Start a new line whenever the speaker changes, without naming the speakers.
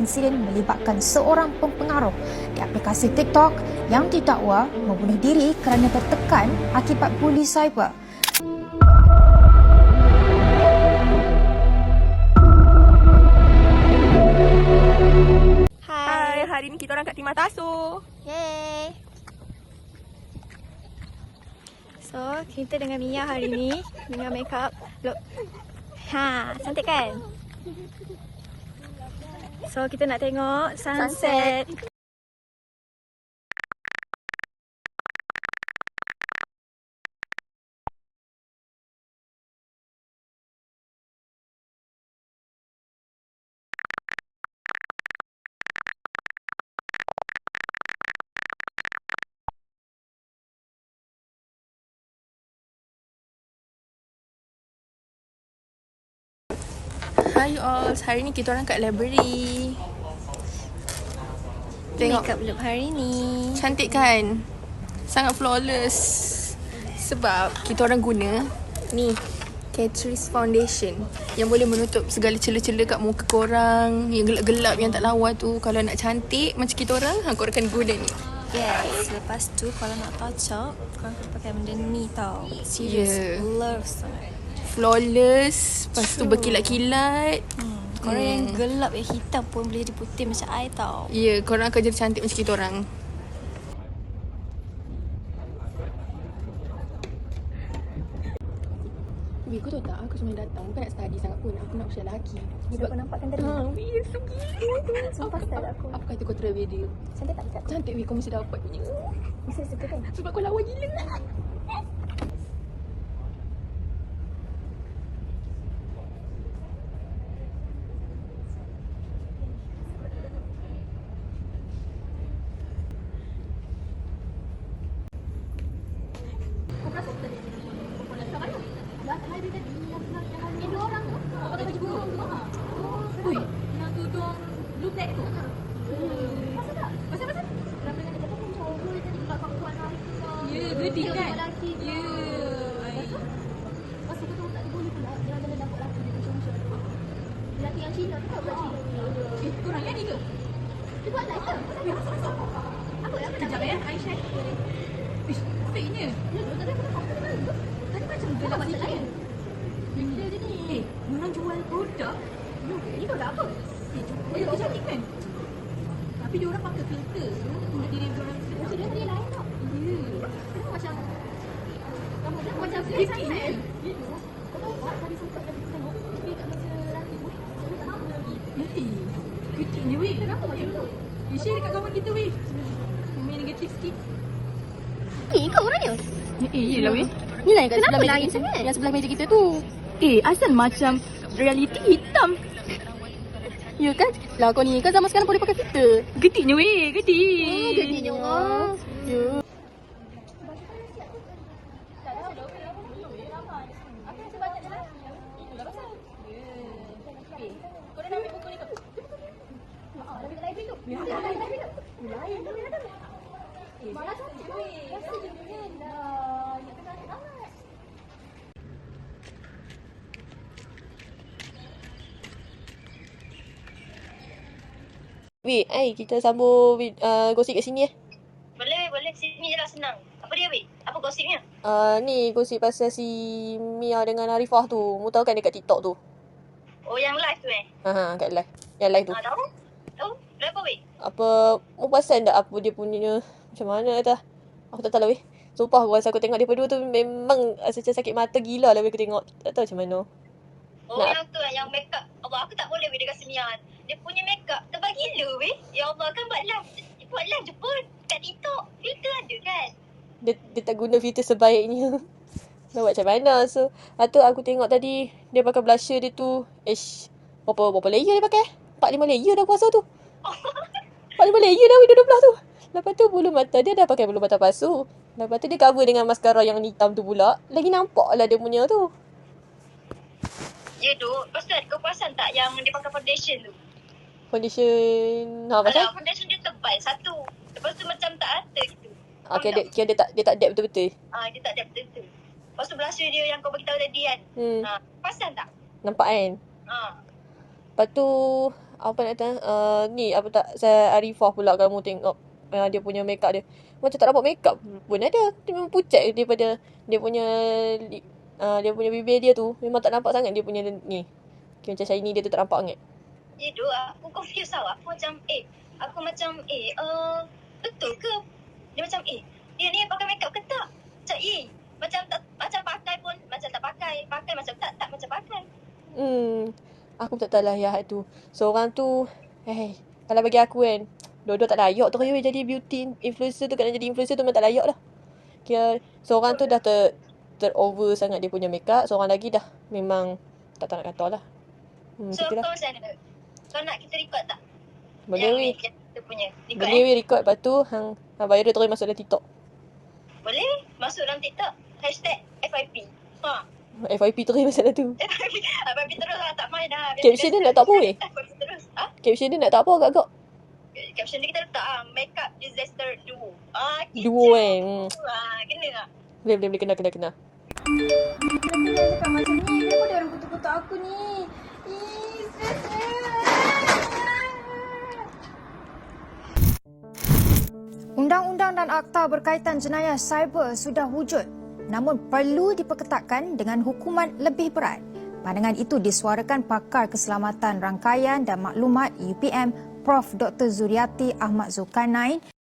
insiden melibatkan seorang pempengaruh di aplikasi TikTok yang didakwa membunuh diri kerana tertekan akibat buli cyber.
Hai, hari ni kita orang kat Timah Taso.
Yeay. So, kita dengan Mia hari ni dengan makeup look. Cantik kan? So, kita nak tengok sunset.
Hai you all, hari ni kita orang kat library. Tengok,
Makeup look hari ni.
cantik kan? Sangat flawless. Sebab kita orang guna ni Catrice Foundation yang boleh menutup segala celah-celah kat muka korang, yang gelap-gelap, yang tak lawa tu. Kalau nak cantik macam kita orang, korang akan guna ni.
Yes, lepas tu kalau nak touch up, korang kena pakai benda ni tau. Serious,
Yeah.
love sangat.
Flawless, lepas tu berkilat-kilat.
Korang yang gelap, yang hitam pun boleh jadi putih macam I tau.
Ya, korang akan jadi cantik macam kita orang. Weh, kau tahu tak? Aku sebenarnya datang bukan nak study sangat pun. Aku nak usia lelaki.
Sebab kau nampakkan tadi.
Weh, sugih.
Sumpah style aku.
Apa kata kau try dia?
Cantik tak dekat?
Cantik weh, kau mesti dapat punya.
Mesti suka kan?
Sebab kau lawa gila.
Gede kan? Ya. Pasal kau tahu tak dia boleh pula jalan-jalan dapat lelaki dia macam-macam. Lelaki yang Cina tu tak buat Cina. Korang yang ni ke? Dia buat live ke? Apa yang kejap ya? Aisyah. Ish, fake-nya. Tadi macam gelap sikit. Benda dia ni. Orang jual produk. Ni produk apa? Dia cantik kan? Tapi dia orang pakai filter tu untuk diri dia orang. Macam dia tadi lain tau. Macam rambut dia macam kecil kan? Kau tahu tak tadi sempat tadi tengok dia kat masa lelaki weh. Kecilnya weh. Kenapa macam tu? Share dekat kawan kita weh. Main negatif sikit.
Ni kau orangnya?
Yelah weh.
Ni lah yang kat
Kenapa
sebelah meja
lain
kita.
sangat?
Yang sebelah meja kita tu.
Asal macam reality hitam.
Ya kan? Lah kau ni kan zaman sekarang boleh pakai filter.
Gediknya weh, gedik.
Gediknya orang.
Ya.
Weh, kita sambung gosip kat sini
Boleh. Sini je lah senang. Apa dia, weh? Apa gosipnya?
Ni gosip pasal si Mia dengan Arifah tu. Mu tahu kan dekat TikTok tu?
Oh, yang live tu
Kat live. Yang live tu.
Tahu? Kenapa, weh?
Apa, mu perasan tak apa dia punya macam mana dah? Aku tak tahu lah weh. Sumpah aku rasa aku tengok dia berdua tu memang macam sakit mata gila lah weh aku tengok. Tak tahu macam mana.
Oh, yang tu yang make up. Allah, aku tak boleh weh dengan Semian. Dia punya make up tebal gila, weh. Ya Allah, kan buat live je pun. Kat TikTok, filter ada kan?
Dia tak guna filter sebaiknya. Nak buat macam mana. So, lepas tu aku tengok tadi dia pakai blusher dia tu. Berapa layer dia pakai? 4-5 layer dah puasa tu. 4-5 layer dah weh dua-dua tu. Lepas tu bulu mata dia dah pakai bulu mata palsu. Lepas tu dia cover dengan mascara yang hitam tu pula. Lagi nampak lah dia punya tu.
Ya, Duk. Lepas tu kau perasan tak yang dia pakai foundation tu?
Foundation. Pasal?
Foundation dia tebal satu. Lepas tu macam tak rata gitu.
Okay, dia tak dab betul-betul.
Dia tak ada betul-betul. Lepas tu blusher dia yang kau bagi tahu tadi kan. Perasan tak?
Nampak kan?
Ha.
Lepas tu apa nak kata, ni apa tak, saya Arifah pula kamu tengok dia punya make up dia. Macam tak nampak make up pun ada. Dia memang pucat daripada dia punya dia punya bibir dia tu. Memang tak nampak sangat dia punya ni. Okay, macam shiny dia tu tak nampak sangat.
Itu aku confused tau. Aku macam betul ke? Dia macam dia ni pakai makeup ke tak? Macam macam pakai pun macam tak pakai. Pakai macam tak macam pakai.
Aku tak tahu lah ya tu. Seorang tu kalau bagi aku kan, dua-dua tak layak tu kaya jadi beauty influencer tu. Kalau jadi influencer tu memang tak layak lah. Kira seorang tu dah over sangat dia punya makeup. Seorang lagi dah memang tak tahu nak kata lah.
So
Itulah.
kau macam mana? Kau nak kita record tak?
Boleh weh.
Yang kita punya record
Boleh weh record. Lepas tu hang viral terus masuk dalam TikTok.
Boleh masuk dalam TikTok. #FYP.
FYP terus masuk dalam tu.
FYP terus lah. Tak main dah.
Caption dia nak tak apa weh?
FYP terus.
Caption dia nak tak apa agak-agak?
Caption dia kita letak makeup disaster duo.
Duo kan.
Kena tak?
Boleh kena.
Kenapa dia cakap macam ni? Kenapa dia orang kutuk-kutuk aku ni? Stresnya. Undang-undang dan akta berkaitan jenayah cyber sudah wujud, namun perlu diperketatkan dengan hukuman lebih berat. Pandangan itu disuarakan pakar keselamatan rangkaian dan maklumat UPM Prof. Dr. Zuriati Ahmad Zulkarnain